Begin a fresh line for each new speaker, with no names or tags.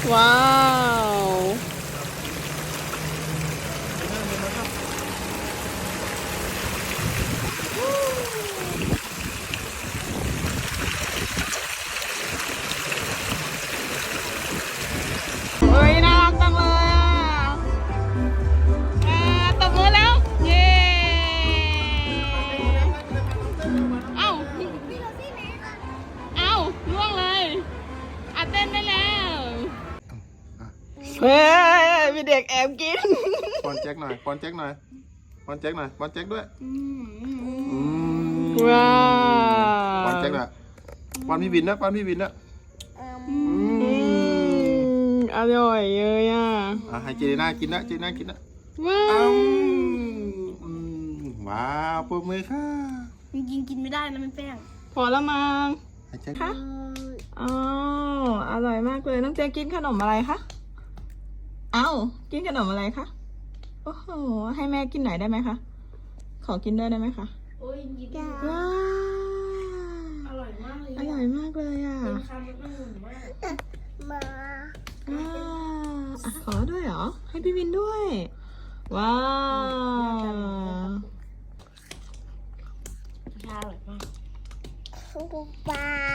ว้าวเฮ้ยน่ารักจังเลยอ่ะตบมือแล้ว เย้เอ้าล่วงเลยเต้นได้แล้วเฮ้ยมีเด็กแอบกิน
ป้อนแจ็คหน่อยป้อนแจ็คหน่อยป้อนแจ็คหน่อยป้อนแจ็คด้วย
ว้า
ป้อนแจ็คหน่อยป้อนพี่วินนะป้อนพี่วินนะ
อร่อยเลยอ่ะ
ให้เจน่ากินนะเจน่ากินนะ
ว้าว
ว้าวปรบมือค่ะ
จริงๆกินไม่ได้นะมันแป้ง
พอละมั้ง
ให้แจ็ค
ค่ะอ๋ออร่อยมากเลยน้องเจกินขนมอะไรคะเอ้ากินขนมอะไรคะโอ้โหให้แม่กินหน่อยได้ไหมคะขอกินด้วยได้ไหมคะ
โอ้ยกินได้
ว้าว
อร่อยมากเลย
อร่อยมากเลยอ่ะ
เป็นคำมันหุ่นมาก
ขอด้วยเหรอให้พี่วินด้วยว้าว
อร่อยมาก
ป๊า